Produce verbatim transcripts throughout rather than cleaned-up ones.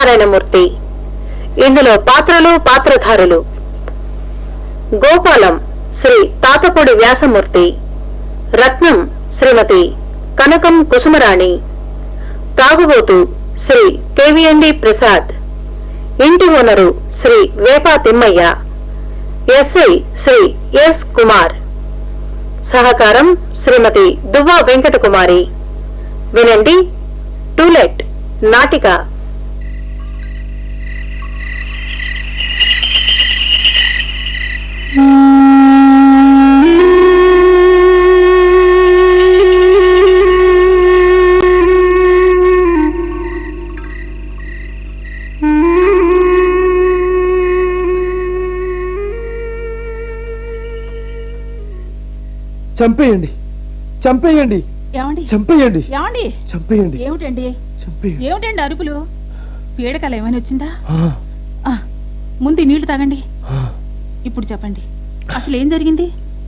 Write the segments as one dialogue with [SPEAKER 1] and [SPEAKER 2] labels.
[SPEAKER 1] నారాయణమూర్తి. ఇందులో పాత్రలు పాత్రధారులు: గోపాలం శ్రీ తాతపూడి వ్యాసమూర్తి, రత్నం శ్రీమతి కనకం కుసుమరాణి, తాగుబోతు శ్రీ కెవిఎండి ప్రసాద్, ఇంటి owner Shri Vepa Thimmaiah, SI Shri S Kumar, సహకారం శ్రీమతి దువ్వా వెంకటకుమారి. వినండి టూలెట్ నాటిక.
[SPEAKER 2] చంపేయండి, చంపేయండి,
[SPEAKER 3] ఏమండి
[SPEAKER 2] చంపేయండి,
[SPEAKER 3] ఏమండి
[SPEAKER 2] చంపేయండి,
[SPEAKER 3] ఏమిటండి
[SPEAKER 2] చంపేయండి.
[SPEAKER 3] ఏమిటండి అరుపులు? పీడకల ఏమైనా వచ్చిందా?
[SPEAKER 2] ఆ,
[SPEAKER 3] ఆ, ముందు నీళ్లు తాగండి.
[SPEAKER 2] ఆ,
[SPEAKER 3] ఇప్పుడు చెప్పండి, అసలు ఏం జరిగింది?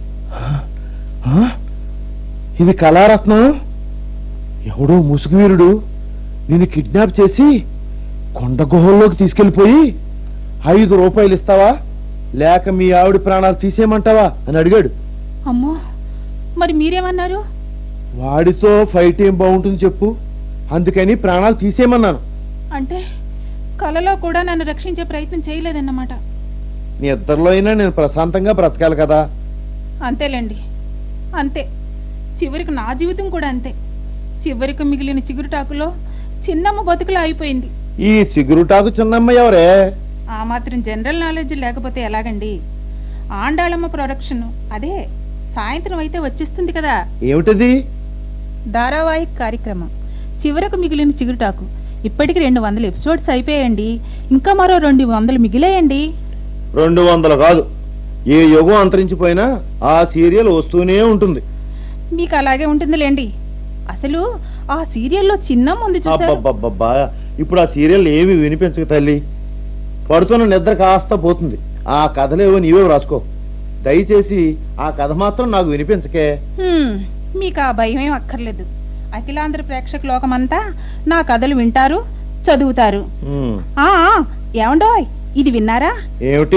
[SPEAKER 2] ఆ, ఇది కళారత్నం. ఎవడో ముసుగువీరుడు నిన్ను కిడ్నాప్ చేసి కొండ గుహల్లోకి తీసుకెళ్లిపోయి ఐదు రూపాయలు ఇస్తావా లేక మీ ఆవిడ ప్రాణాలు తీసేయమంటావా అని అడిగాడు.
[SPEAKER 3] అమ్మో, మరి మీరేమన్నారు?
[SPEAKER 2] వాడితో ఫైట్ ఏం బాగుంటుంది చెప్పు, అందుకని ప్రాణాలు తీసేయమన్నాను.
[SPEAKER 3] అంటే కలలో కూడా నన్ను రక్షించే ప్రయత్నం చేయలేదన్నమాట.
[SPEAKER 2] నీ ఇద్దరిలో అయినా నేను ప్రశాంతంగా బ్రతకాలి కదా.
[SPEAKER 3] అంతేలేండి, అంతే. చివరికి నా జీవితం కూడా అంతే. చివరికి మిగిలిన చిగురుటాకులో చిన్నమ్మ బతుకులా అయిపోయింది.
[SPEAKER 2] ఈ చిగురుటాకు చిన్నమ్మ ఎవరే?
[SPEAKER 3] ఆ మాత్రం జనరల్ నాలెడ్జ్ లేకపోతే ఎలాగండి? ఆండాళమ్మ ప్రొడక్షన్, అదే సాయంత్రం అయితే వచ్చేస్తుంది కదా.
[SPEAKER 2] ఏమిటది?
[SPEAKER 3] ధారావాహిక కార్యక్రమం చివరకు మిగిలిన చిగురుటాకు. ఇప్పటికి రెండు వందల ఎపిసోడ్స్ అయిపోయాయండి. ఇంకా మరో రెండు వందలు మిగిలేయండి.
[SPEAKER 2] రెండు వందలు కాదు, ఏ యుగం అంతరించిపోయినా ఆ సీరియల్ వస్తూనే ఉంటుంది.
[SPEAKER 3] మీకు అలాగే ఉంటుందిలేండి. అసలు ఆ సీరియల్లో చిన్నమ్మ ఉంది చూసారా?
[SPEAKER 2] అబ్బబ్బబ్బబ్బా, ఇప్పుడు ఆ సీరియల్ ఏమి వినిపించక తల్లి. పడుతున్న నిద్ర కాస్త పోతుంది. ఆ కథలేవో నీవే రాసుకో. దయచేసి ఆ కథ మాత్రం నాకు వినిపించకే.
[SPEAKER 3] హ్మ్, మీకు ఆ భయం ఏం అక్కర్లేదు. అఖిలాంధ్ర ప్రేక్షక లోకమంతా నా కథలు వింటారు, చదువుతారు.
[SPEAKER 2] ఉమ్,
[SPEAKER 3] ఆ ఏమండోయ్, ఇది విన్నారా?
[SPEAKER 2] ఏమిటి?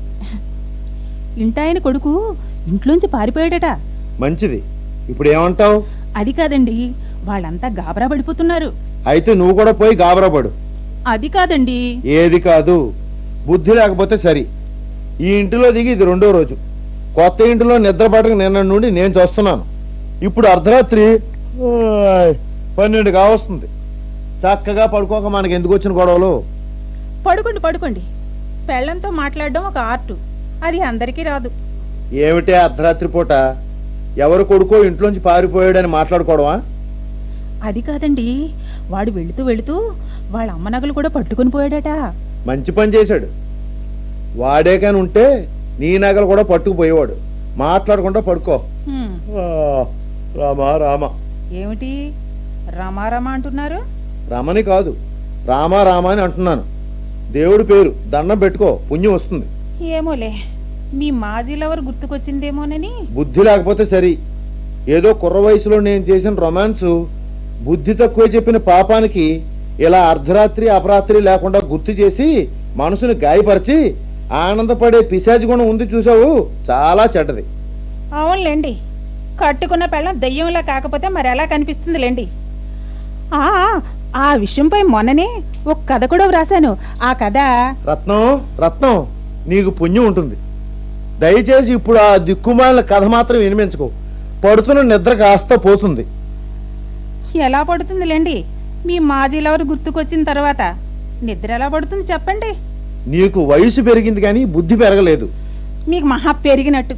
[SPEAKER 3] ఇంటాయన కొడుకు ఇంట్లోంచి పారిపోయాడట.
[SPEAKER 2] మంచిది, ఇప్పుడు ఏమంటావు?
[SPEAKER 3] అది కాదండి, వాళ్ళంతా గాబరా పడిపోతున్నారు.
[SPEAKER 2] అయితే నువ్వు కూడా పోయి గాబరాపడు.
[SPEAKER 3] అది కాదండి.
[SPEAKER 2] ఏది కాదు, బుద్ధి లేకపోతే సరి. ఈ ఇంటిలో దిగి ఇది రెండో రోజు. కొత్త ఇంటిలో నిద్రపడక నిన్న నుండి నేను చూస్తున్నాను. ఇప్పుడు అర్ధరాత్రి ఓయ్, పన్నెండు కావస్తుంది. చక్కగా పడుకోక మనకి ఎందుకు వచ్చిన గొడవలు?
[SPEAKER 3] పడుకోండి పడుకోండి. పెళ్ళంతో మాట్లాడడం ఒక ఆర్టు, అది అందరికీ రాదు.
[SPEAKER 2] ఏమిటే అర్ధరాత్రి పూట ఎవరు కొడుకో ఇంట్లోంచి పారిపోయాడని మాట్లాడుకోవడమా?
[SPEAKER 3] అది కాదండి, వాడు వెళుతూ వెళుతూ వాళ్ళ అమ్మ నగలు కూడా పట్టుకుని పోయాడట.
[SPEAKER 2] మంచి పని చేశాడు. వాడే కాని ఉంటే నీ నగలు కూడా పట్టుకుపోయేవాడు. మాట్లాడకుండా పడుకో.
[SPEAKER 3] హ్మ్,
[SPEAKER 2] ఆ, రామా రామ.
[SPEAKER 3] ఏమిటి రమారమ అంటున్నారు?
[SPEAKER 2] రమని కాదు, రామా రామ అని అంటున్నాను. దేవుడి పేరు దండం పెట్టుకో, పుణ్యం వస్తుంది.
[SPEAKER 3] ఏమోలే, మీ మాజీ లవర్ గుర్తుకొచ్చిందేమోనని.
[SPEAKER 2] బుద్ధి లేకపోతే సరి. ఏదో కుర్ర వయసులో నేను చేసిన రొమాన్సు బుద్ధి తక్కువ చెప్పిన పాపానికి ఇలా అర్ధరాత్రి అపరాత్రి లేకుండా గుర్తు చేసి మనసుని గాయపరిచి ఆనందపడే పిశాచి గుణం ఉంది చూసావు, చాలా చెడ్డది.
[SPEAKER 3] అవునులేండి, కట్టుకున్న పెళ్ళం దెయ్యంలా కాకపోతే మరి ఎలా కనిపిస్తుందిలేండి. ఆ ఆ విషయంపై మొన్ననే ఒక కథ కూడా వ్రాసాను. ఆ కథ
[SPEAKER 2] రత్నం రత్నం నీకు పుణ్యం ఉంటుంది. దయచేసి ఇప్పుడు ఆ దిక్కుమాలిన కథ మాత్రం వినిపించుకో. పడుతున్న నిద్ర కాస్త పోతుంది.
[SPEAKER 3] ఎలా పడుతుందిలేండి, మీ మాజీ లవర్ గుర్తుకొచ్చిన తర్వాత నిద్ర ఎలా పడుతుంది చెప్పండి?
[SPEAKER 2] నీకు వయసు పెరిగింది కానీ బుద్ధి పెరగలేదు.
[SPEAKER 3] మీకు మహా పెరిగినట్టు.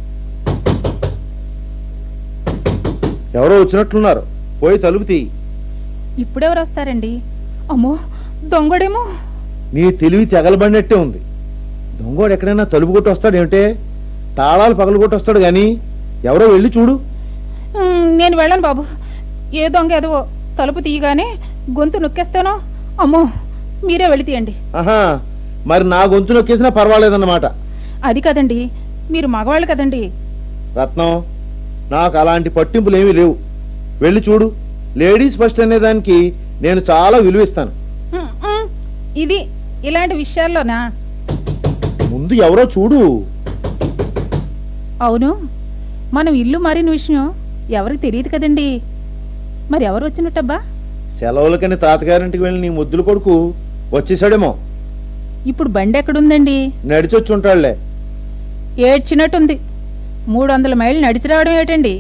[SPEAKER 2] ఎవరో వచ్చినట్లున్నారు, పోయి తలుపు తీయి.
[SPEAKER 3] ఇప్పుడెవరు వస్తారండి? అమ్మో, దొంగడేమో.
[SPEAKER 2] నీ తెలివి తెగలబడినట్టే ఉంది. దొంగోడు ఎక్కడైనా తలుపు కొట్టి వస్తాడు ఏమిటే? తాళాలు పగలు కొట్టి వస్తాడు గాని ఎవరో వెళ్ళి చూడు.
[SPEAKER 3] ఉమ్, నేను వెళ్ళను బాబు. ఏ దొంగ ఎదవో తలుపు తీయగానే గొంతు నొక్కేస్తానో. అమ్మో, మీరే వెళ్ళి తీయండి.
[SPEAKER 2] ఆహా, మరి నా గొంతు నొక్కేసినా పర్వాలేదన్నమాట.
[SPEAKER 3] అది కదండి, మీరు మగవాళ్ళు కదండి.
[SPEAKER 2] రత్నం, నాకు అలాంటి పట్టింపులు ఏమీ లేవు. వెళ్ళి చూడు. లేడీస్ ఫస్ట్ అనే దానికి నేను చాలా విలువిస్తాను.
[SPEAKER 3] ఇది ఇలాంటి విషయాల్లోనా?
[SPEAKER 2] ముందు ఎవరో చూడు.
[SPEAKER 3] అవును, మనం ఇల్లు మారిన విషయం ఎవరికి తెలియదు కదండి. మరి ఎవరు వచ్చినట్టబ్బా?
[SPEAKER 2] సెలవులకని తాతగారింటికి వెళ్ళి నీ ముద్దుల కొడుకు వచ్చేసాడేమో.
[SPEAKER 3] ఇప్పుడు బండి ఎక్కడుందండి?
[SPEAKER 2] నడిచొచ్చి ఉంటాడులే.
[SPEAKER 3] ఏడ్చినట్టుంది. మూడు వందల మైళ్ళు నడిచి రావడం ఏటండి?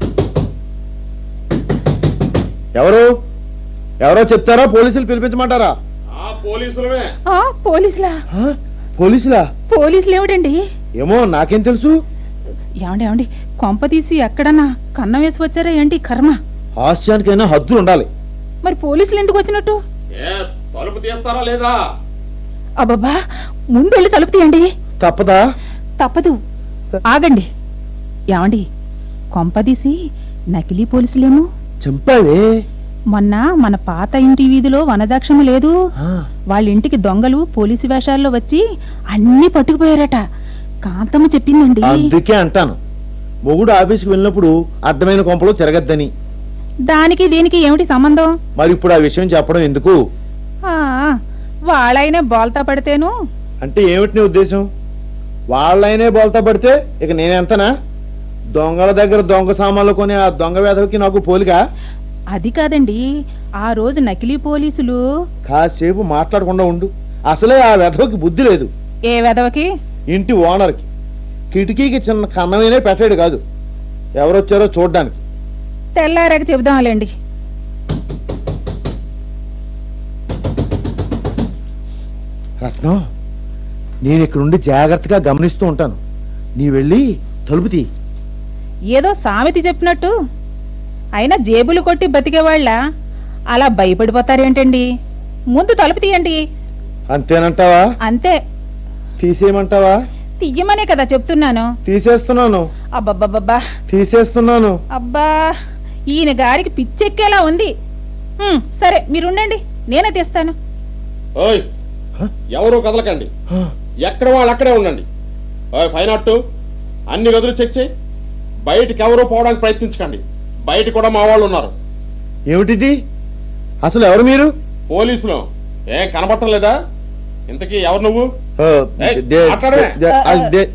[SPEAKER 2] ఎవరు ఎవరో చెప్తారా? పోలీసులు పిలిపించమంటారా?
[SPEAKER 4] పోలీసులమే.
[SPEAKER 3] ఆ, పోలీసులా?
[SPEAKER 2] ఆ, పోలీసులా?
[SPEAKER 3] పోలీసులు ఏమిటండి?
[SPEAKER 2] ఏమో నాకేం తెలుసు.
[SPEAKER 3] ఏమండి ఏమండి కొంప తీసి ఎక్కడన్నా కన్నం వేసి వచ్చారా ఏంటి కర్మ?
[SPEAKER 2] హాస్యానికైనా హద్దులు ఉండాలి.
[SPEAKER 3] మరి పోలీసులు ఎందుకు వచ్చినట్టు?
[SPEAKER 4] తలుపు తీస్తారా లేదా?
[SPEAKER 3] అబ్బబ్బా, ముందు వెళ్ళి తలుపు తీయండి.
[SPEAKER 2] తప్పదా?
[SPEAKER 3] తప్పదు. ఆగండి. ఏమండి, కొంపదీసి నకిలీ పోలీసులేమో?
[SPEAKER 2] చంపావే.
[SPEAKER 3] మొన్న మన పాత ఇంటి వీధిలో వనదాక్షము లేదు, వాళ్ళ ఇంటికి దొంగలు పోలీసు వేషాల్లో వచ్చి అన్ని పట్టుకుపోయారట. కాంతమ్మ చెప్పిందండి.
[SPEAKER 2] అందుకే అంటాను, మొగుడు ఆఫీస్కి వెళ్ళినప్పుడు అడ్డమైన కొంపలో తిరగద్దని.
[SPEAKER 3] దానికి దీనికి ఏమిటి సంబంధం?
[SPEAKER 2] మరి ఇప్పుడు ఆ విషయం చెప్పడం ఎందుకు?
[SPEAKER 3] ఆ, వాళ్ళైనా బోల్తా పడితేను.
[SPEAKER 2] అంటే ఏమిటి నీ ఉద్దేశం? వాళ్ళైనే బోల్తా పడితే ఇక నేనెంతనా? దొంగల దగ్గర దొంగ సామాన్లు కొని ఆ దొంగ వేధవికి నాకు పోలిగా?
[SPEAKER 3] అది కాదండి, ఆ రోజు నకిలీ పోలీసులు.
[SPEAKER 2] కాసేపు మాట్లాడకుండా ఉండు. అసలే ఆ వెధవకి బుద్ధి లేదు.
[SPEAKER 3] ఏ వెధవకి?
[SPEAKER 2] ఇంటి ఓనర్కి. కిటికీకి చిన్న కన్నమైనే పెట్టాడు కాదు. ఎవరొచ్చారో చూడ్డానికి.
[SPEAKER 3] తెల్లారాక చెబుదాంలేండి.
[SPEAKER 2] రత్నం, నేను ఇక్కడుండి జాగ్రత్తగా గమనిస్తూ ఉంటాను. నీ వెళ్ళి తలుపు తీ.
[SPEAKER 3] ఏదో సామెత చెప్పినట్టు. అయినా జేబులు కొట్టి బతికేవాళ్ళ అలా భయపడిపోతారేంటండి? ముందు తలుపు తీయండి.
[SPEAKER 2] అంతేనంటావా?
[SPEAKER 3] అంతే.
[SPEAKER 2] తీసేయమంటావా?
[SPEAKER 3] తీయమనే కదా చెప్తున్నాను.
[SPEAKER 2] తీసేస్తున్నాను.
[SPEAKER 3] అబ్బబ్బబ్బబ్బా,
[SPEAKER 2] తీసేస్తున్నాను.
[SPEAKER 3] అబ్బా, ఈయన గారికి పిచ్చెక్కేలా ఉంది. హ్మ్, సరే మీరుండండి, నేనే తీస్తాను.
[SPEAKER 4] ఓయ్, ఎవరు కదలకండి. ఎక్కడ వాళ్ళు అక్కడే ఉండండి. ఓయ్ ఫైవ్ నాట్ టూ, అన్ని గదులు చెక్ చేయి. బయటికి ఎవరు పోవడానికి ప్రయత్నించకండి. బయట కూడా మా వాళ్ళు ఉన్నారు.
[SPEAKER 2] ఏమిటిది? అసలు ఎవరు మీరు?
[SPEAKER 4] పోలీసులు. ఏం కనబడటం లేదా? ఇంతకీ ఎవరు నువ్వు? ఏయ్,
[SPEAKER 2] దే-
[SPEAKER 4] మాట్లాడమే.
[SPEAKER 2] దే- ఆ, దే-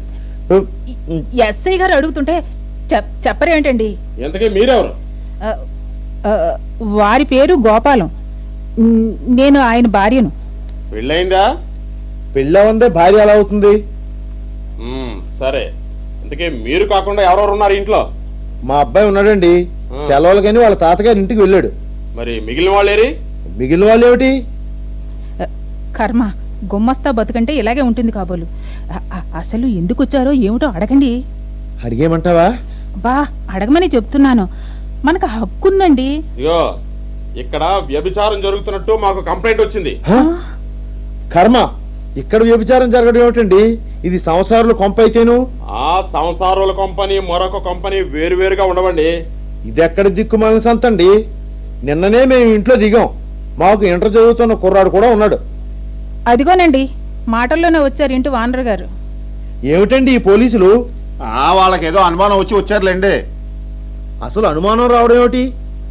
[SPEAKER 3] ఎస్ఐ గారు అడుగుతుంటే చెప్- చెప్పరేంటండి?
[SPEAKER 4] ఇంతకీ మీరెవరు?
[SPEAKER 3] ఆ, ఆ, వారి పేరు గోపాలం. న్- నేను ఆయన భార్యను.
[SPEAKER 4] పెళ్ళయిందా?
[SPEAKER 2] పెళ్ళవందే భార్య ఎలా అవుతుంది?
[SPEAKER 4] మ్మ్, సరే. ఇంతకీ మీరు కాకుండా ఎవరెవరు ఉన్నారు ఇంట్లో?
[SPEAKER 2] మా అబ్బాయి ఉన్నాడండి.
[SPEAKER 4] ఆ.
[SPEAKER 2] సెలవులకని వాళ్ళ తాతగారి ఇంటికి వెళ్ళాడు.
[SPEAKER 4] మరి మిగిలిన వాళ్ళు ఏరి?
[SPEAKER 2] మిగిలిన వాళ్ళు ఏమిటి?
[SPEAKER 3] ఆ, కర్మ, గుమ్మస్తా బతుకంటే ఇలాగే ఉంటుంది కాబోలు. అ- అ- అసలు ఎందుకు వచ్చారో ఏమిటో అడగండి.
[SPEAKER 2] అడిగేమంటావా?
[SPEAKER 3] బా, అడగమని చెప్తున్నాను. మనకు హక్కుందండి.
[SPEAKER 4] ఇగో, ఇక్కడ వ్యభిచారం జరుగుతున్నట్టు మాకు కంప్లైంట్ వచ్చింది.
[SPEAKER 2] హ? కర్మ, ఇక్కడ వ్యభిచారం జరగడం ఏమిటండి? ఇది సంసారుల కొంప అయితేను.
[SPEAKER 4] ఆ సంసారుల కంపెనీ మరొక కంపెనీ వేరువేరుగా ఉండవండి.
[SPEAKER 2] ఇది ఎక్కడ దిక్కుమాలిన సంతండి? నిన్ననే మేము ఇంట్లో దిగాం. మాకు ఇంటర్ చదువుతున్న కుర్రాడు కూడా ఉన్నాడు.
[SPEAKER 3] అదిగోనండి, మాటల్లోనే వచ్చారు ఇంటి వానర్ గారు.
[SPEAKER 2] ఏమిటండి ఈ పోలీసులు?
[SPEAKER 5] ఆ వాళ్ళకేదో అనుమానం వచ్చి వచ్చారులేండి.
[SPEAKER 2] అసలు అనుమానం రావడం ఏమిటి?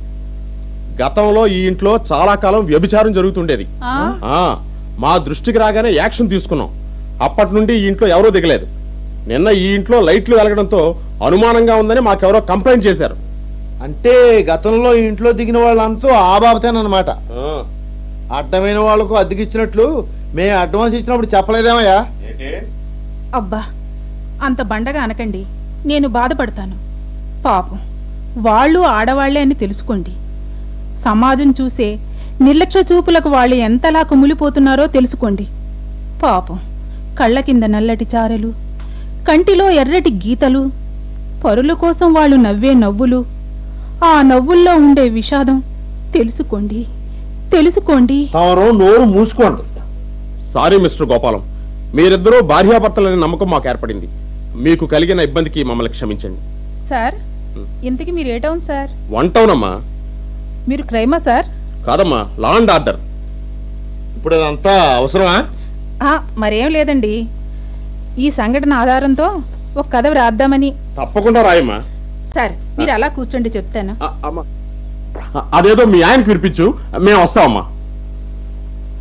[SPEAKER 4] గతంలో ఈ ఇంట్లో చాలా కాలం వ్యభిచారం జరుగుతుండేది.
[SPEAKER 3] ఆ?
[SPEAKER 4] ఆ మా దృష్టికి రాగానే యాక్షన్ తీసుకున్నాం. అప్పటి నుండి ఈ ఇంట్లో ఎవరూ దిగలేదు. నిన్న ఈ ఇంట్లో లైట్లు వెలగడంతో అనుమానంగా ఉందని మాకెవరో కంప్లైంట్ చేశారు.
[SPEAKER 2] అంటే గతంలో ఈ ఇంట్లో దిగిన వాళ్ళంతా ఆ బాబతేనమాట.
[SPEAKER 4] ఆ,
[SPEAKER 2] అడ్డమైన వాళ్ళకు అద్దెకిచ్చినట్లు మేము అడ్వాన్స్ ఇచ్చినప్పుడు చెప్పలేదేమయ్యా?
[SPEAKER 3] అబ్బా, అంత బండగా అనకండి, నేను బాధపడతాను. పాపం, వాళ్ళు ఆడవాళ్లే అని తెలుసుకోండి. సమాజం చూసే నిర్లక్ష్య చూపులకు వాళ్ళు ఎంతలా కుమిలిపోతున్నారో తెలుసుకోండి. పాపం, కళ్ళ కింద నల్లటి చారలు, కంటిలో ఎర్రటి గీతలు, పరుల కోసం వాళ్ళు నవ్వే నవ్వులు, ఆ నవ్వుల్లో ఉండే విషాదం తెలుసుకోండి, తెలుసుకోండి.
[SPEAKER 2] తమరు నోరు మూసుకోండి.
[SPEAKER 4] సారీ మిస్టర్ గోపాలం, మీరిద్దరూ భార్యాభర్తలనే నమ్మకం మాకు ఏర్పడింది. మీకు కలిగిన ఇబ్బందికి మమ్మల్ని క్షమించండి.
[SPEAKER 3] సార్, ఇంతకీ మీరు ఏ టౌన్ సార్?
[SPEAKER 4] వన్ టౌన్ అమ్మా.
[SPEAKER 3] మీరు క్రైమా సార్?
[SPEAKER 4] కాదమ్మా, లా అండ్ ఆర్డర్.
[SPEAKER 2] ఇప్పుడు అదంతా అవసరమా?
[SPEAKER 3] ఆ, మరేం లేదండి, ఈ సంఘటన ఆధారంతో ఒక కథ వ్రాద్దామని.
[SPEAKER 4] తప్పకుండా రాయమ్మా.
[SPEAKER 3] సార్, మీరు అలా కూర్చోండి, చెప్తాను.
[SPEAKER 4] ఆ, అమ్మా. అదేదో మీ ఆయనకు వినిపించు, మేము వస్తామమ్మా.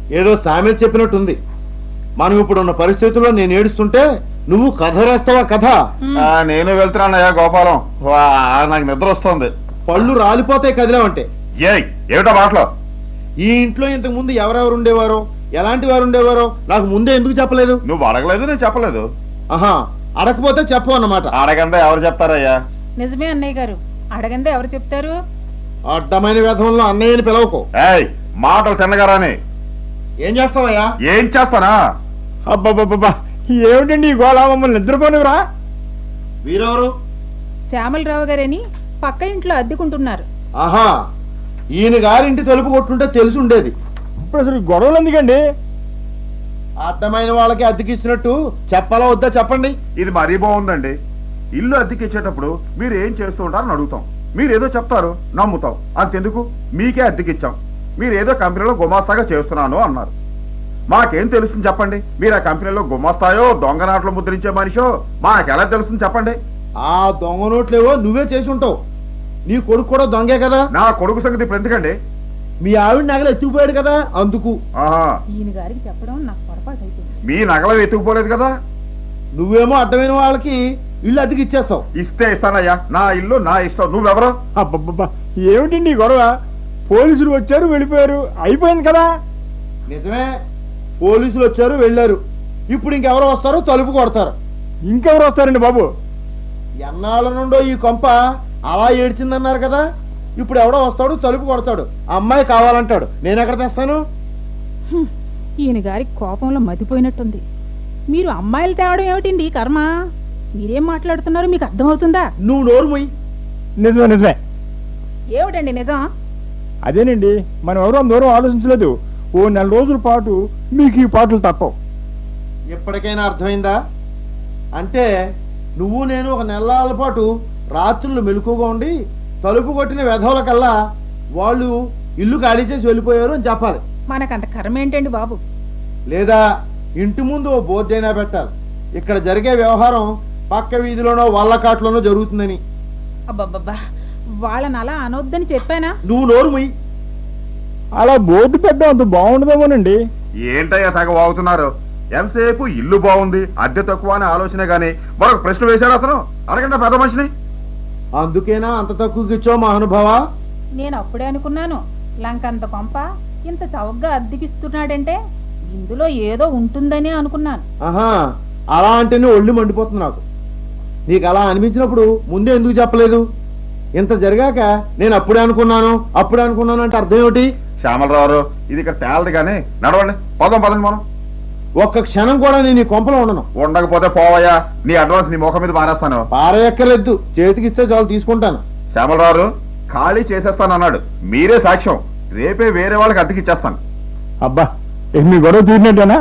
[SPEAKER 2] ఏదో సామెత చెప్పినట్టుంది. మనం ఇప్పుడున్న పరిస్థితుల్లో నేను ఏడుస్తుంటే నువ్వు కథ రాస్తావా? కథ
[SPEAKER 5] ఆ, నేను వెళ్తున్నానయ్యా గోపాలం. వా, నాకు నిద్ర వస్తుంది.
[SPEAKER 2] పళ్ళు రాలిపోతాయి కదిలేవంటే.
[SPEAKER 5] ఏయ్ ఏమిటో మాటలో?
[SPEAKER 2] ఈ ఇంట్లో ఇంతకు ముందు ఎవరెవరు ఉండేవారో, ఎలాంటి వారు ఉండేవారో నాకు ముందే ఎందుకు చెప్పలేదు?
[SPEAKER 5] నువ్వు అడగలేదు, నేను చెప్పలేదు.
[SPEAKER 2] ఆహా, అడగపోతే చెప్పు అన్నమాట.
[SPEAKER 5] అడగంటే ఎవరు చెప్తారయ్యా?
[SPEAKER 3] నిజమే అన్నయ్య గారు, అడగందే ఎవరు చెప్తారు?
[SPEAKER 2] అడ్డమైన వ్యధంలో అన్నయ్యని పిలవకు.
[SPEAKER 5] ఏయ్ మాటలు తిన్నగారాని.
[SPEAKER 2] ఏం చేస్తావయ్యా?
[SPEAKER 5] ఏం చేస్తానా?
[SPEAKER 6] అబ్బాబ్బాబ్బా, ఏమిటండి ఈ గోళ? మమ్మల్ని నిద్రపోనివరా?
[SPEAKER 2] వీరెవరు?
[SPEAKER 3] శ్యామలరావు గారని పక్క ఇంట్లో అద్దెకుంటున్నారు.
[SPEAKER 2] ఆహా, ఈయన గారింటి తలుపు కొట్టుంటే తెలిసి ఉండేది.
[SPEAKER 6] ఇప్పుడు అసలు గొడవలు ఎందుకండి?
[SPEAKER 2] అడ్డమైన వాళ్ళకి అద్దెకిచ్చినట్టు చెప్పాలా వద్దా చెప్పండి.
[SPEAKER 5] ఇది మరీ బాగుందండి. ఇల్లు అద్దెకిచ్చేటప్పుడు మీరు ఏం చేస్తూ ఉంటారని అడుగుతాం. మీరు ఏదో చెప్తారు, నమ్ముతాం. అంతెందుకు, మీకే అద్దెకిచ్చాం. మీరు ఏదో కంపెనీలో గుమాస్తాగా చేస్తున్నాను అన్నారు. మాకేం తెలుస్తుంది చెప్పండి? మీరు ఆ కంపెనీలో గుమాస్తాయో దొంగ నాట్లు ముద్రించే మనిషో మాకెలా తెలుస్తుంది చెప్పండి?
[SPEAKER 2] ఆ దొంగ నోట్లేవో నువ్వే చేసి ఉంటావు. నీ కొడుకు కూడా దొంగే కదా.
[SPEAKER 5] నా కొడుకు సంగతి ఇప్పుడు ఎందుకండి?
[SPEAKER 2] మీ ఆవిడ నగలు ఎత్తుకుపోయాడు కదా అందుకు.
[SPEAKER 5] ఆహా,
[SPEAKER 3] ఈయన గారికి చెప్పడం నాకు పొరపాటు అయిపోయింది.
[SPEAKER 5] మీ నగలు ఎత్తుకుపోలేదు కదా.
[SPEAKER 2] నువ్వేమో అడ్డమైన వాళ్ళకి ఇల్లు అద్దెకి ఇచ్చేస్తావు.
[SPEAKER 5] ఇస్తే ఇస్తానయ్యా, నా ఇల్లు నా ఇష్టం. నువ్వెవరో?
[SPEAKER 6] అబ్బబ్బబ్బా, ఏమిటండి ఈ గొడవ? పోలీసులు వచ్చారు, వెళ్ళిపోయారు, అయిపోయింది కదా.
[SPEAKER 2] నిజమే, పోలీసులు వచ్చారు వెళ్ళారు. ఇప్పుడు ఇంకెవరో వస్తారో తలుపు కొడతారు.
[SPEAKER 6] ఇంకెవరు వస్తారండి బాబు?
[SPEAKER 2] ఎన్నాళ్ళ నుండో ఈ కొంప అలా ఏడ్చిందన్నారు కదా. ఇప్పుడు ఎవడో వస్తాడు, తలుపు కొడతాడు, అమ్మాయి కావాలంటాడు. నేను ఎక్కడ తెస్తాను?
[SPEAKER 3] హ్మ్, ఈయన గారి కోపంలో మతిపోయినట్టుంది. మీరు అమ్మాయిలు తేవడం ఏమిటండి ఈ కర్మ? మీరేం మాట్లాడుతున్నారో మీకు అర్థమవుతుందా?
[SPEAKER 2] నువ్వు నోరు మొయ్యి.
[SPEAKER 6] నిజమే నిజమే.
[SPEAKER 3] ఏమిటండి నిజం?
[SPEAKER 6] అదేనండి, మనం ఎవరో దూరం ఆలోచించలేదు. ఓ నెల రోజుల పాటు మీకు ఈ పాటలు తప్పవు.
[SPEAKER 2] ఎప్పటికైనా అర్థమైందా? అంటే నువ్వు నేను ఒక నెలల పాటు రాత్రులు మెలకుగా ఉండి తలుపు కొట్టిన వెధవుల కల్లా వాళ్ళు ఇల్లు ఖాళీ చేసి వెళ్ళిపోయారు అని చెప్పాలి.
[SPEAKER 3] మనకంత కర్మ ఏంటండి బాబు?
[SPEAKER 2] లేదా ఇంటి ముందు ఓ బోర్డు అయినా పెట్టాలి, ఇక్కడ జరిగే వ్యవహారం పక్క వీధిలోనో వల్లకాట్లోనో జరుగుతుందని.
[SPEAKER 3] అబ్బబ్బబ్బా, వాళ్ళని అలా అనొద్దని చెప్పానా?
[SPEAKER 2] నువ్వు నోరు మొయ్యి.
[SPEAKER 6] అలా బోర్డు పెట్టడం అంత బాగుండదేమోనండి.
[SPEAKER 5] ఏంటయ్యా తెగ వాగుతున్నారు? ఎంతసేపు ఇల్లు బాగుంది, అద్దె తక్కువ అనే ఆలోచనే గానీ మరొక ప్రశ్న వేశాడు అతను. అడగండి పెద్ద మనిషిని.
[SPEAKER 2] అందుకేనా అంత తక్కువకి ఇచ్చావు మహానుభావా?
[SPEAKER 3] నేను అప్పుడే అనుకున్నాను, లంకంత కొంప ఇంత చౌకగా అద్దెకిస్తున్నాడంటే ఇందులో ఏదో ఉంటుందని అనుకున్నాను.
[SPEAKER 2] ఆహా, అలా అంటేనే ఒళ్ళు మండిపోతుంది నాకు. నీకు అలా అనిపించినప్పుడు ముందే ఎందుకు చెప్పలేదు? ఇంత జరిగాక నేను అప్పుడే అనుకున్నాను అప్పుడే అనుకున్నాను అంటే అర్థం ఏమిటి?
[SPEAKER 5] శ్యామలరావు, ఇది ఇక్కడ తేలదు కానీ నడవండి, పోదాం పదండి మనం.
[SPEAKER 2] ఒక్క క్షణం కూడా నేను ఈ కొంపలో ఉండను.
[SPEAKER 5] ఉండకపోతే పోవయ్యా, నీ అడ్వాన్స్ నీ ముఖం మీద మానేస్తాను.
[SPEAKER 2] పారేయక్కర్లేదు, చేతికిస్తే చాలు తీసుకుంటాను.
[SPEAKER 5] శ్యామలరావు ఖాళీ చేసేస్తాను అన్నాడు, మీరే సాక్ష్యం. రేపే వేరే వాళ్ళకి అద్దెకి ఇచ్చేస్తాను.
[SPEAKER 6] అబ్బా, ఇక మీ గొడవ తీరినట్టేనా?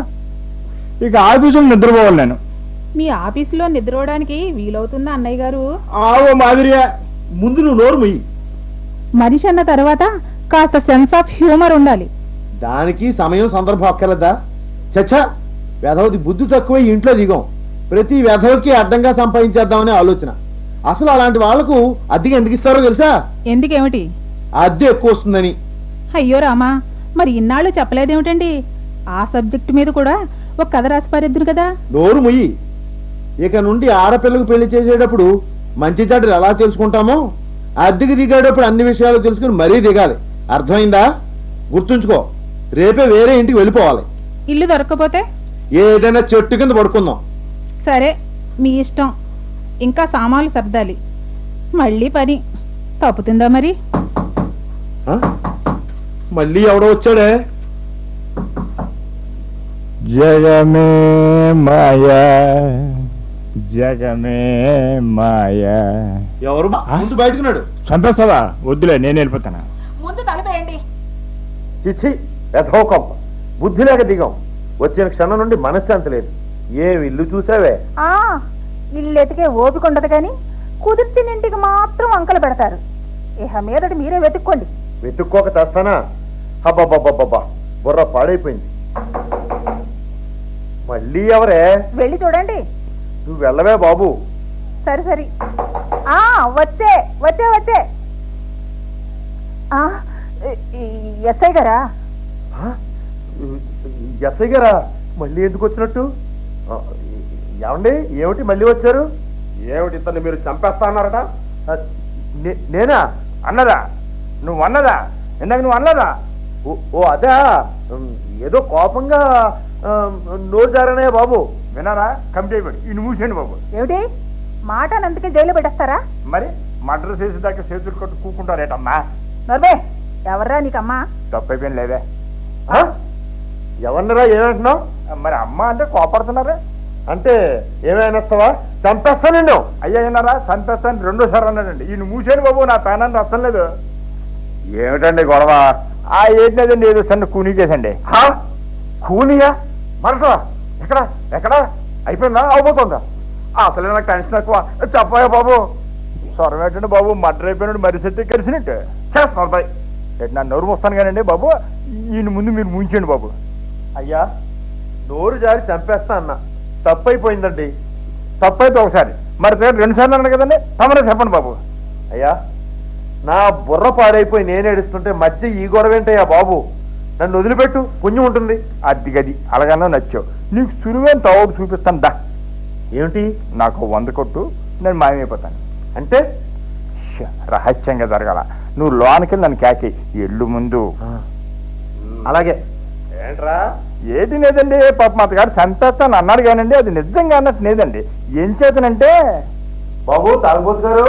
[SPEAKER 6] ఇక ఆఫీసులో నిద్రపోవాలి నేను.
[SPEAKER 3] మీ ఆఫీసులో నిద్రపోవడానికి వీలవుతుందా అన్నయ్య గారు?
[SPEAKER 6] ఆవో మాదిరియా.
[SPEAKER 2] ముందు నువ్వు నోరు మొయ్యి.
[SPEAKER 3] మనిషి అన్న తర్వాత కాస్త సెన్స్ ఆఫ్ హ్యూమర్ ఉండాలి.
[SPEAKER 2] దానికి సమయం సందర్భం అక్కర్లేదా? చచ్చా, వెధవది బుద్ధి తక్కువ ఇంట్లో దిగం. ప్రతి వెధవకి అడ్డంగా సంపాదించేద్దామనే ఆలోచన. అసలు అలాంటి వాళ్లకు అద్దెకి ఎందుకు ఇస్తారో తెలుసా?
[SPEAKER 3] ఎందుకేమిటి?
[SPEAKER 2] అద్దె ఎక్కువ వస్తుందని.
[SPEAKER 3] అయ్యో రామా, మరి ఇన్నాళ్ళు చెప్పలేదేమిటండి? ఆ సబ్జెక్టు మీద కూడా ఒక కథ రాసి పారేద్దురు కదా.
[SPEAKER 2] నోరు మొయ్యి. ఇక నుండి ఆడపిల్లకు పెళ్లి చేసేటప్పుడు మంచి చెడ్డలు ఎలా తెలుసుకుంటామో అద్దెకి దిగేటప్పుడు అన్ని విషయాలు తెలుసుకుని మరీ దిగాలి. అర్థమైందా? గుర్తుంచుకో, రేపే వేరే ఇంటికి వెళ్ళిపోవాలి.
[SPEAKER 3] ఇల్లు దొరక్కపోతే
[SPEAKER 2] ఏదైనా చెట్టు కింద పడుకుందాం.
[SPEAKER 3] సరే, మీ ఇష్టం. ఇంకా సామాన్లు సర్దాలి. మళ్ళీ పని తప్పుతుందా మరి?
[SPEAKER 2] ఆ? మళ్ళీ ఎవడో వచ్చాడే?
[SPEAKER 6] జగమే మాయా, జగమే మాయా.
[SPEAKER 2] ఎవరు? ముందు బయటకున్నాడు.
[SPEAKER 6] సంతోషవా? వద్దులే, నేను వెళ్ళిపోతాను.
[SPEAKER 3] ముందు తలపేయండి.
[SPEAKER 2] చిచ్చి, ఎథో కొంప. బుద్ధి లేక దిగాం. వచ్చిన క్షణం నుండి మనశ్శాంతి లేదు. ఏం ఇల్లు చూసావే?
[SPEAKER 3] ఆ ఇల్లు ఎతికే ఓపిక ఉండదు కానీ కుదిర్చిన ఇంటికి మాత్రం అంకలు పెడతారు. ఇహ మీదటి మీరే వెతుక్కోండి.
[SPEAKER 2] వెతుక్కోక తెస్తానా? అబ్బాబ్బాబ్బా, బుర్ర పాడైపోయింది. మళ్ళీ ఎవరే?
[SPEAKER 3] వెళ్ళి చూడండి.
[SPEAKER 2] నువ్వు వెళ్ళవే బాబు.
[SPEAKER 3] సరే సరే. ఆ వచ్చే వచ్చే వచ్చే ఎస్ఐ గారా?
[SPEAKER 2] ఎస్ఐ గారా మళ్ళీ ఎందుకు వచ్చినట్టు? ఆ, ఏమండి ఏమిటి మళ్ళీ వచ్చారు?
[SPEAKER 4] ఏమిటి ఇతన్ని మీరు చంపేస్తా అన్నారట?
[SPEAKER 2] ఆ, నే- నేనా
[SPEAKER 6] అన్నదా నువ్వు అన్నదా ఇందాక నువ్వు అన్నదా
[SPEAKER 2] ఓ ఓ, అదా ఉమ్, ఏదో కోపంగా ఆ, నోరు జారనే బాబు.
[SPEAKER 6] వినారా కమిటీ అయిపోయి ఇన్ని మూసేయండి బాబు.
[SPEAKER 3] ఏమిటి మాట అందుకే జైలు పెట్టేస్తారా?
[SPEAKER 6] మరి మర్డర్ చేసేదాకా చేతులు కొట్టు కూకుంటారేటమ్మా.
[SPEAKER 3] నర్వే ఎవర్రా నీకమ్మా?
[SPEAKER 6] తప్పు అయిపోయింది లేదే.
[SPEAKER 2] ఆ? ఎవరినరా ఏమంటున్నావు?
[SPEAKER 6] మరి అమ్మ అంటే కోపడుతున్నారా?
[SPEAKER 2] అంటే ఏమైనాస్తావా? చంపేస్తానండి.
[SPEAKER 6] అయ్యా విన్నారా సంతోషాన్ని రెండోసారి అన్నాడండి. ఈయన మూసేయండి బాబు, నా పేనాన్ని అర్థం లేదు.
[SPEAKER 5] ఏమిటండి గొడవ?
[SPEAKER 6] ఆ ఏంటి లేదండి, ఏదో సన్న కూనీ చేసండి.
[SPEAKER 5] హా? కూనియా? మనసా? ఎక్కడ ఎక్కడ అయిపోయిందా అవబోతుందా? అసలే నాకు టెన్షన్ ఎక్కువ. చెప్పాయా బాబు?
[SPEAKER 6] స్వరం ఏంటండి బాబు, మర్డర్ అయిపోయినాడు మరి సెట్టి కలిసినట్టు
[SPEAKER 5] చేస్తున్నారు బాయ్.
[SPEAKER 6] ఎటు నా నోరు వస్తాను కానండి బాబు, ఈయన ముందు మీరు ముంచండి బాబు.
[SPEAKER 2] అయ్యా నోరు జారి చంపేస్తా అన్న, తప్పు అయిపోయిందండి.
[SPEAKER 6] తప్పు అయితే ఒకసారి, మరి పేరు రెండు సార్లు అన్నాడు కదండి, తమరే చెప్పండి బాబు.
[SPEAKER 2] అయ్యా నా బుర్ర పాడైపోయి నేను ఏడుస్తుంటే మధ్య ఈ గొడవ ఏంటయ్యా బాబు? నన్ను వదిలిపెట్టు, పుణ్యం ఉంటుంది.
[SPEAKER 6] అది గది అలాగన్నా నచ్చావు, నీకు సులువైన తావుడు చూపిస్తాను దా.
[SPEAKER 2] ఏమిటి?
[SPEAKER 6] నాకు వంద కొట్టు, నేను మాయమైపోతాను.
[SPEAKER 2] అంటే
[SPEAKER 6] ష్య, రహస్యంగా జరగాల. నువ్వు లోనికి నన్ను కాకి ఎల్లు ముందు.
[SPEAKER 2] అలాగే.
[SPEAKER 4] ఏంట్రా?
[SPEAKER 6] ఏది లేదండి, పాప మా గారు చంపేస్తాను అన్నాడు కానండి, అది నిజంగా అన్నట్టు లేదండి. ఏం చేతనంటే
[SPEAKER 2] బాబు తాగుబోతు గారు,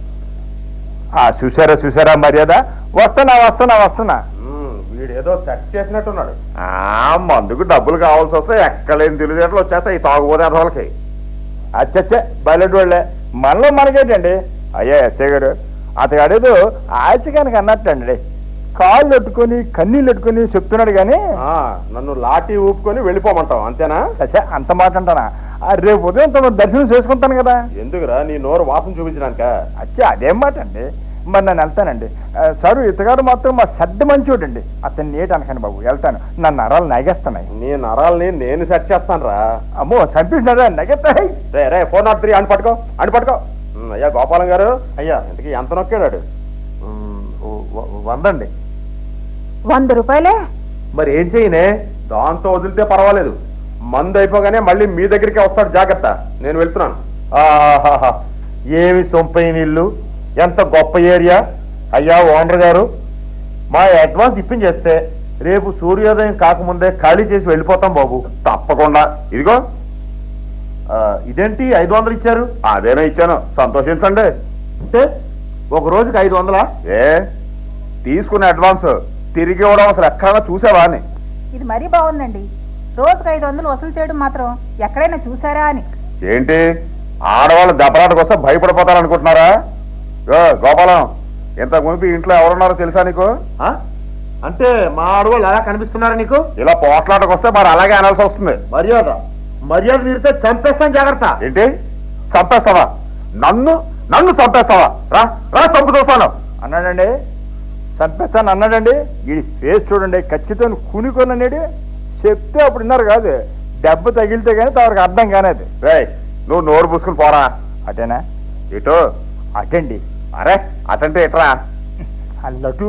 [SPEAKER 6] ఆ చూసారా చూసారా మర్యాద, వస్తున్నా వస్తున్నా వస్తున్నా.
[SPEAKER 4] వీడేదో సెట్ చేసినట్టున్నాడు.
[SPEAKER 5] ఆ మందుకు డబ్బులు కావాల్సి వస్తే ఎక్కలేని తెలివితేటలు వచ్చేస్తాయి ఈ తాగుబోతే వాళ్ళకి.
[SPEAKER 6] అచ్చచ్చే బయలెడు వాళ్ళే, మనలో మనకేంటండి. అయ్యా ఎస్ఐ గారు, అతగాడేదో ఆశగానికి అన్నట్టండి, కాళ్ళు పెట్టుకొని కన్నీళ్ళు పెట్టుకొని చెప్తున్నాడు కానీ
[SPEAKER 4] ఆ, నన్ను లాఠీ ఊపుకొని వెళ్ళిపోమంటావు అంతేనా?
[SPEAKER 6] ససే అంత మాట అంటానా? ఆ రేపు ఉదయం తమ దర్శనం చేసుకుంటాను కదా.
[SPEAKER 4] ఎందుకురా నీ నోరు వాసన చూపించడానిక?
[SPEAKER 6] అచ్చే అదేం మాట అండి, మరి నేను వెళ్తానండి. సారు ఇతగాడు మాత్రం మా సర్ద మంచోడండి, అతన్ని ఏటి అనకండి బాబు, వెళ్తాను. నా నరాలు నగేస్తున్నాయి.
[SPEAKER 4] నీ నరాల్ని నేను సెట్ చేస్తాను రా.
[SPEAKER 6] అమ్మో చంపేసినారా, నగెత్తాయి.
[SPEAKER 4] రే రే ఫోర్ నాట్ త్రీ అని పట్టుకో అని పట్టుకో. ఉమ్, అయ్యా గోపాలం గారు,
[SPEAKER 2] అయ్యా
[SPEAKER 4] ఇంతకీ ఎంత నొక్కాడు?
[SPEAKER 2] ఉమ్, వ- వందండి.
[SPEAKER 3] వంద రూపాయలే?
[SPEAKER 2] మరి ఏం చేయనే?
[SPEAKER 4] దాంతో వదిలితే పర్వాలేదు, మందు అయిపోగానే మళ్ళీ మీ దగ్గరికి వస్తాడు, జాగ్రత్త. నేను వెళ్తున్నాను.
[SPEAKER 2] ఆహాహా, ఏమి సొంపైన ఇల్లు, ఎంత గొప్ప ఏరియా. అయ్యా ఓనర్ గారు, మా అడ్వాన్స్ ఇప్పించేస్తే రేపు సూర్యోదయం కాకముందే ఖాళీ చేసి వెళ్ళిపోతాం బాబు.
[SPEAKER 5] తప్పకుండా. ఇదిగో
[SPEAKER 2] ఆ, ఇదేంటి ఐదు వందలు ఇచ్చారు?
[SPEAKER 5] అదేనా ఇచ్చాను, సంతోషించండి.
[SPEAKER 2] అంటే ఒక రోజుకి ఐదు వందలా?
[SPEAKER 5] ఏ తీసుకున్న అడ్వాన్స్ తిరిగి ఇవ్వడం అసలు ఎక్కడైనా చూసావా అని.
[SPEAKER 3] ఇది మరీ బాగుందండి. రోజుకు ఐదు వందలు వసూలు చేయడం మాత్రం ఎక్కడైనా చూసారా అని.
[SPEAKER 5] ఏంటి ఆడవాళ్ళు దెబ్బలాటకు వస్తే భయపడిపోతారనుకుంటున్నారా? ఏ, గోపాలం, ఇంతకు ముందు ఇంట్లో ఎవరున్నారో తెలుసా నీకు?
[SPEAKER 2] ఆ? అంటే మా ఆడవాళ్ళు అలా కనిపిస్తున్నారా నీకు?
[SPEAKER 5] ఇలా పోట్లాటకు వస్తే మరి అలాగే అనాల్సి వస్తుంది.
[SPEAKER 2] మర్యాద మర్యాద మీరితే చంపేస్తాను, జాగ్రత్త.
[SPEAKER 5] ఏంటి చంపేస్తావా? నన్ను నన్ను చంపేస్తావా? రా రా చంపు చూస్తాను
[SPEAKER 6] అన్నాడండి, చంపేస్తాను అన్నాడండి. ఈ ఫేస్ చూడండి, ఖచ్చితంగా కూనికొననేది చెప్తే అప్పుడు విన్నారు కాదు, దెబ్బ తగిలితే కానీ తవరికి అర్థం కానేది.
[SPEAKER 5] రే నువ్వు నోరు పూసుకుని పోరా.
[SPEAKER 6] అటేనా?
[SPEAKER 5] ఇటు
[SPEAKER 6] అటండి.
[SPEAKER 5] అరే అటంటే ఇట్రా.
[SPEAKER 6] అల్లటు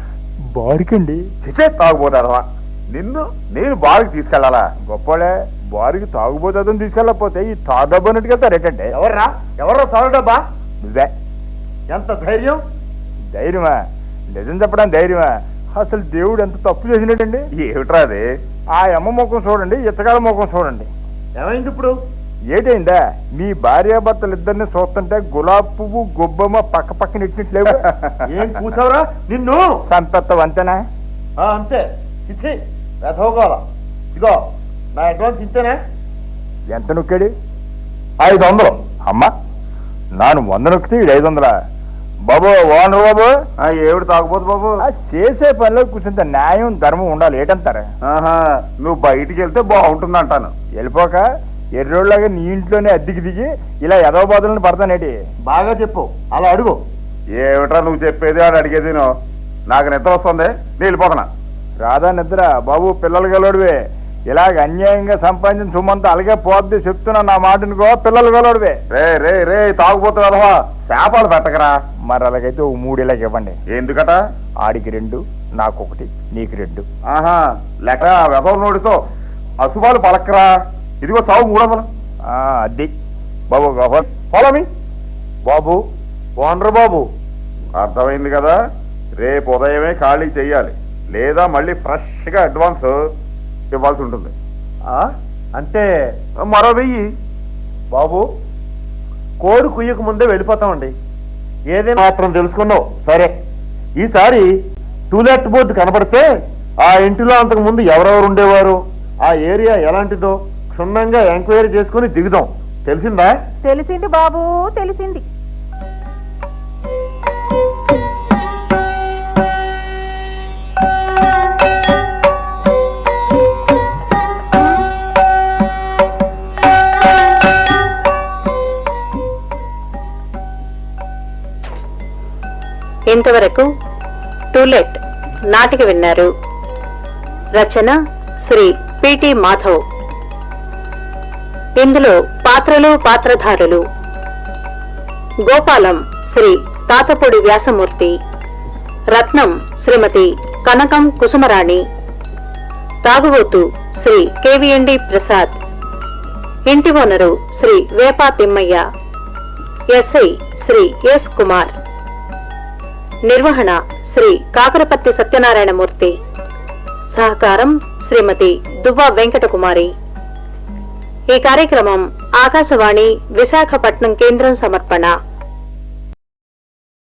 [SPEAKER 6] బారికండి.
[SPEAKER 5] చిచే తాగుపోతావా? నిన్ను నేను బాగా తీసుకెళ్లాలా?
[SPEAKER 6] గొప్పలే, బారికి తాగుబోతుందని తీసుకెళ్ళకపోతే ఈ తాగబ్బన్నట్టుగా వెళ్తారేటంటే.
[SPEAKER 2] ఎవర్రా ఎవర్రా చదువు డబ్బా?
[SPEAKER 6] నువ్వే.
[SPEAKER 2] ఎంత ధైర్యం?
[SPEAKER 6] ధైర్యమా? నిజం చెప్పడం ధైర్యమా? అసలు దేవుడు ఎంత తప్పు చేసినట్టండి.
[SPEAKER 5] ఏమిట్రా అది?
[SPEAKER 6] ఆ అమ్మ ముఖం చూడండి, ఇతగాల ముఖం చూడండి.
[SPEAKER 2] ఏమైంది ఇప్పుడు?
[SPEAKER 6] ఏటైందా? మీ భార్యాభర్తలు ఇద్దరిని చూస్తుంటే గులాబ్ పువ్వు గొబ్బమ్మ పక్క పక్కన ఇచ్చినట్లేవు.
[SPEAKER 2] ఏం కూసావురా నిన్ను?
[SPEAKER 6] సంపెత్తం అంతేనా?
[SPEAKER 2] ఆ, అంతే. ఇచ్చి రథోగోళ. ఇదిగో నా అడ్వాన్స్ ఇంతేనా?
[SPEAKER 6] ఎంత నొక్కాడు? ఐదు వందలు. అమ్మ నాను వంద నొక్కితే ఇది ఐదు వందలా? బాబు ఓనర్ బాబు,
[SPEAKER 5] ఆ, ఏమిటి తాగుపోతు బాబు?
[SPEAKER 6] ఆ చేసే పనిలో కూర్చుంటే న్యాయం ధర్మం ఉండాలి. ఏటంటారా?
[SPEAKER 5] ఆహా, నువ్వు బయటికి వెళ్తే బాగుంటుంది అంటాను.
[SPEAKER 6] వెళ్ళిపోక ఎర్రోళ్ళగా నీ ఇంట్లోనే అద్దెకి దిగి ఇలా ఎదవ బాధలను పడతానేటి?
[SPEAKER 2] బాగా చెప్పు, అలా అడుగు.
[SPEAKER 5] ఏమిట్రా నువ్వు చెప్పేది అని అడిగేది? నువ్వు నాకు నిద్ర వస్తుంది, నేను వెళ్ళిపోతున్నా.
[SPEAKER 6] రాధా నిద్ర బాబు, పిల్లలు గలవాడివే. ఇలాగ అన్యాయంగా సంపాదించిన సొమ్మంతా అలాగే పోద్ది చెప్తున్నా, నా మాటనుకో. పిల్లలు గలవాడివే.
[SPEAKER 5] రే రే రే తాగుపోతు కదవా, శాపాలు పెట్టకరా.
[SPEAKER 6] మరి అలాగైతే ఓ మూడు ఇలాగ ఇవ్వండి.
[SPEAKER 5] ఎందుకట?
[SPEAKER 6] ఆడికి రెండు, నాకొకటి, నీకు రెండు.
[SPEAKER 5] ఆహా, లెక్క వెదవ నోడితో అశుభాలు పలకరా. ఇదిగో చావు మూడు వందలు.
[SPEAKER 6] ఆ, అది బాబు ఫాలో మీ బాబు ఓనర్ బాబు.
[SPEAKER 5] అర్థమైంది కదా, రేపు ఉదయమే ఖాళీ చెయ్యాలి, లేదా మళ్ళీ ఫ్రెష్గా అడ్వాన్స్ ఇవ్వాల్సి ఉంటుంది.
[SPEAKER 6] ఆ, అంటే
[SPEAKER 5] మరో వెయ్యి.
[SPEAKER 6] బాబు కోడి కుయ్యక ముందే వెళ్ళిపోతామండి. ఏదైనా మాత్రం తెలుసుకున్నావు సరే. ఈసారి టూలెట్ బోర్డు కనపడితే ఆ ఇంటిలో అంతకు ముందు ఎవరెవరు ఉండేవారు, ఆ ఏరియా ఎలాంటిదో క్షుణ్ణంగా ఎంక్వైరీ చేసుకుని దిగుదాం. తెలిసిందా?
[SPEAKER 3] తెలిసింది బాబు, తెలిసింది.
[SPEAKER 1] ఇంతవరకు టూలెట్ నాటిక విన్నారు. రచన శ్రీ పిటి మాధవ్. ఇందులో పాత్రలు పాత్రధారులు: గోపాలం శ్రీ తాతపూడి వ్యాసమూర్తి, రత్నం శ్రీమతి కనకం కుసుమరాణి, తాగుబోతు శ్రీ కెవిఎండి ప్రసాద్, ఇంటి owner Shri Vepa Thimmaiah, SI Shri S Kumar, నిర్వహణ శ్రీ కాకరపత్తి సత్యనారాయణమూర్తి, సహకారం శ్రీమతి దువ్వా వెంకటకుమారి. ఈ కార్యక్రమం ఆకాశవాణి విశాఖపట్నం కేంద్రం సమర్పణ.